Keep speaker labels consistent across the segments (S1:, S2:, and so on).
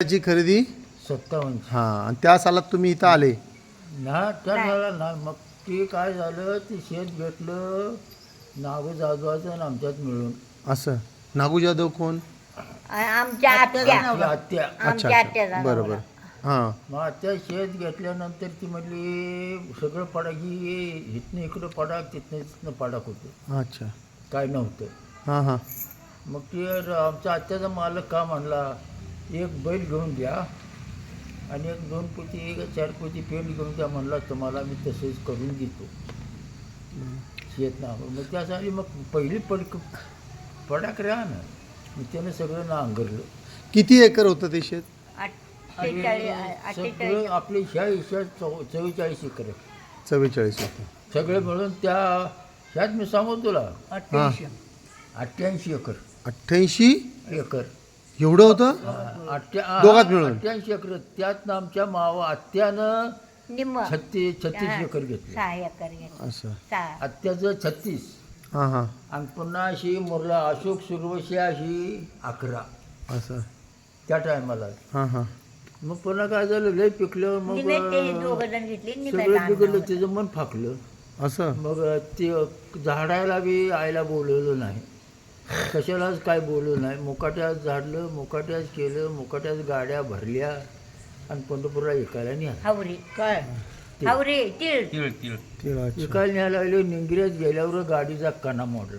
S1: ची खरेदी
S2: 57.
S1: हां, आणि त्या सालात तुम्ही इथं आले.
S2: ना त्या झाला ना मग ते काय झालं ते शेत घेतलं नागू जाधवाचं आणि आमच्यात मिळून.
S1: असं नागू जाधव कोण?
S3: आमच्या आत्या
S2: आपली आत्या.
S1: अच्छा
S3: आमच्या आत्याचा
S1: अच्छा, बरोबर. हां
S2: मग आत्या शेत घेतल्यानंतर ती म्हणली सगळं पडाकी इथनं इकडं पडाक तिथनं पडाक होतं,
S1: अच्छा.
S2: काय नव्हतं.
S1: हां हां
S2: मग ते आमच्या आत्याचा मालक का म्हणला एक बैल घेऊन द्या आणि एक 2 पोती 4 पोती पेंट घेऊन द्या म्हणला, तुम्हाला मी तसंच करून देतो शेत ना. मग त्यासाठी मग पहिली पडाक राहा ना, मग त्यानं सगळं नांगरलं.
S1: किती एकर होतं ते शेत?
S2: आणि सगळं आपले ह्या हिशोबात 44 एकर आहे.
S1: 44 होतं.
S2: सगळे मिळून त्या ह्यात मी सांगू तुला
S1: हां
S2: 88 एकर
S1: 88
S2: एकर
S1: एवढं होतं दोघात मिळून?
S2: 88 एकर. त्यात आमच्या मावा आत्यानं
S3: निम्म
S2: 36 एकर घेतलं.
S3: 6 एकर घेतलं.
S1: असं.
S3: 6
S2: आत्याचं 36
S1: हां हां
S2: आणि पुन्हा अशी मुरला अशोक सुरवशी अशी 11
S1: असं.
S2: त्या टायमाला.
S1: हां हां
S2: मग पुन्हा काय झालं लय पिकलं मग
S3: निम्मे ते दोघं जण घेतले
S2: सगळं बिघडलं, त्याचं मन फाकलं.
S1: असं.
S2: मग ते झाडायला बी आईला बोलवलं नाही, कशालाच काय बोलवलं नाही. मुकाट्यात झाडलं, मुकाट्यात केलं, मुकाट्यात गाड्या भरल्या आणि पंढरपूरला विकायला न्यायला.
S3: हावरी
S2: काय
S3: हावरी तीळ
S1: तिळाची.
S2: विकायला न्यायला लागले. निंगिऱ्यात गेल्यावर गाडीचा कणा मोडला.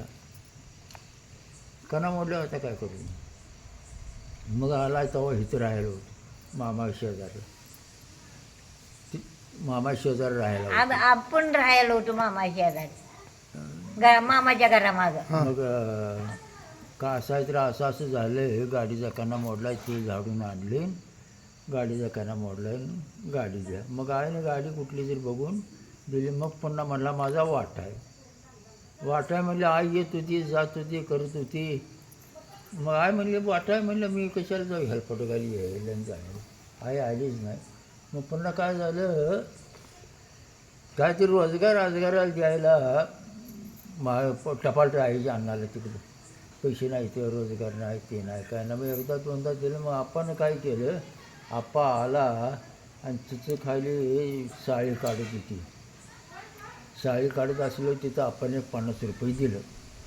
S2: कणा मोडला होता काय करू. मग आला तेव्हा इथं राहायला होतं मामा शेजारी. मामा शेजारी राहायला होतं.
S3: आपण राहायला होतो मामा शेजारी मामाच्या घरामागं.
S2: मग का असायचं तर असं झालं, गाडीचा कणा मोडला, ते झाडून आणले, गाडीचा कणा मोडला, गाडी द्या. मग आईने गाडी कुठली तरी बघून दिली. मग पुन्हा म्हणला माझा वाटा आहे. वाटा आहे म्हणलं, आई येत होती जात होती करत होती. मग आई म्हणले वाटा आहे म्हणलं, मी कशाला जाऊ हेल्पटोगाली यायला जायला. आई आलीच नाही. मग पुन्हा काय झालं, काहीतरी रोजगाराला द्यायला टपाल राहायची अन्नाला तिकडं पैसे नाही, ते रोजगार नाही, ते नाही काय ना. मग एकदा दोनदा दिलं. मग आपण काय केलं, आप्पा आला आणि तिचं खाली साळी काढत होती. साळी काढत असलो तिथं आपण 50 रुपये दिलं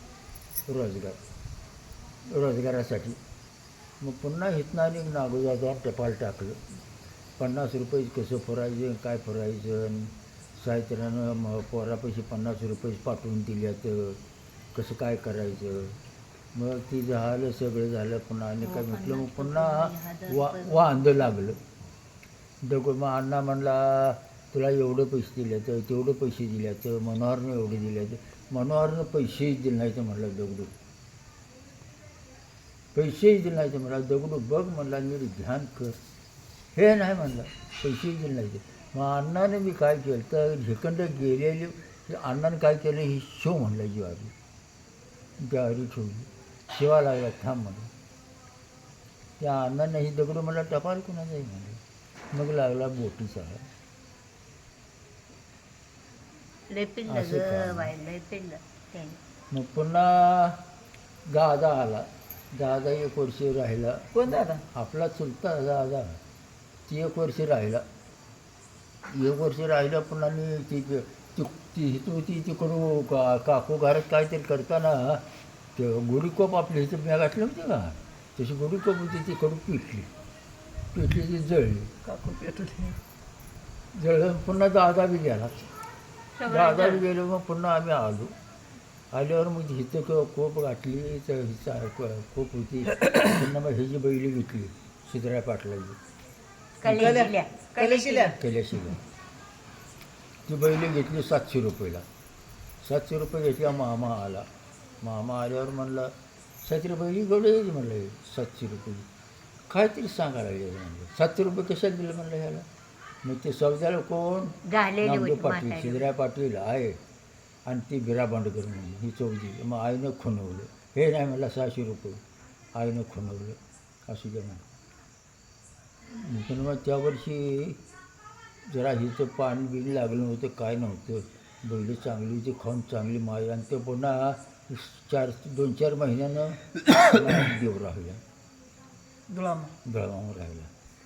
S2: रोजगारासाठी. मग पुन्हा इथनं आणि नागोजावर टपाल टाकलं. 50 रुपये कसं फुरायचं काय फुरायचं. साहित्यानं पोरापैसे 50 रुपये पाठवून दिल्यात, कसं काय करायचं. मग ती झालं सगळं झालं. पुन्हा आणि काय म्हटलं, मग पुन्हा वांदं लागलं दगड. मग अण्णा म्हणला तुला एवढे पैसे दिले तर तेवढे पैसे दिले तर मनोहरनं एवढे दिले तर मनोहरनं पैसेच दिले नाही तर म्हणलं दगडू पैसेच दिले नाही तर म्हणला दगडू बघ म्हणला नीट ध्यान कर. हे नाही म्हणलं पैसेच दिले नाही तर. मग अण्णाने मी काय केलं तर झेकंड गेलेले अण्णाने काय केलं, ही शिव म्हणलं ज्वारी, ज्वारी ठेवली. शिवा लागला थांब म्हणलं. त्या अण्णाने ही दगडू म्हणला टपाल कुणाचा आहे म्हणलं. मग लागला बोटीचा. मग पुन्हा दादा आला. दादा 1 वर्ष राहिला.
S4: कोण दादा?
S2: आपला चुलता दादा. ती 1 वर्ष राहिला. 1 वर्ष राहिला. पुन्हा ती होती तिकडून काकू घरात काहीतरी करताना ते गोडीकोप आपली इथं मी घातली होती का, तशी गोडीकोप होती तिकडून पिटली ती जळली.
S4: काकू पेटली.
S2: जळलं. पुन्हा दादा बी गेला. दादा बी गेलो. मग पुन्हा आम्ही आल्यावर मग हिचं कोप घातली. तर कोप होती. पुन्हा मग ह्याची बैली घेतली सिद्धराय पाटलाची केल्याशिवाय. ती बैली घेतली 700 रुपयाला. 700 रुपये घेतल्या. मामा आला. मामा आल्यावर म्हणला 700 बैली गवडे यायची म्हणलं 700 रुपये काहीतरी सांगायला लागले म्हणलं. 700 रुपये कशात दिलं म्हणलं ह्याला. मग ते सौद्याला कोण, नामदेव पाटील सिद्धराय पाटील आहे आणि ती बिरा बांडकर म्हणून ही चौधी. मग आईनं खुणवलं. हे नाही म्हणलं 600 रुपये आईनं खुणवलं असू द्या म्हणून. पण मग त्या वर्षी जरा हिचं पाणी बिल लागलं नव्हतं, काय नव्हतं. बैल चांगली होती, खाऊन चांगली माय. आणि ते पुन्हा 2-4 महिन्यानं देव राहिला,
S4: गुलाम
S2: बेळगाव राहिला.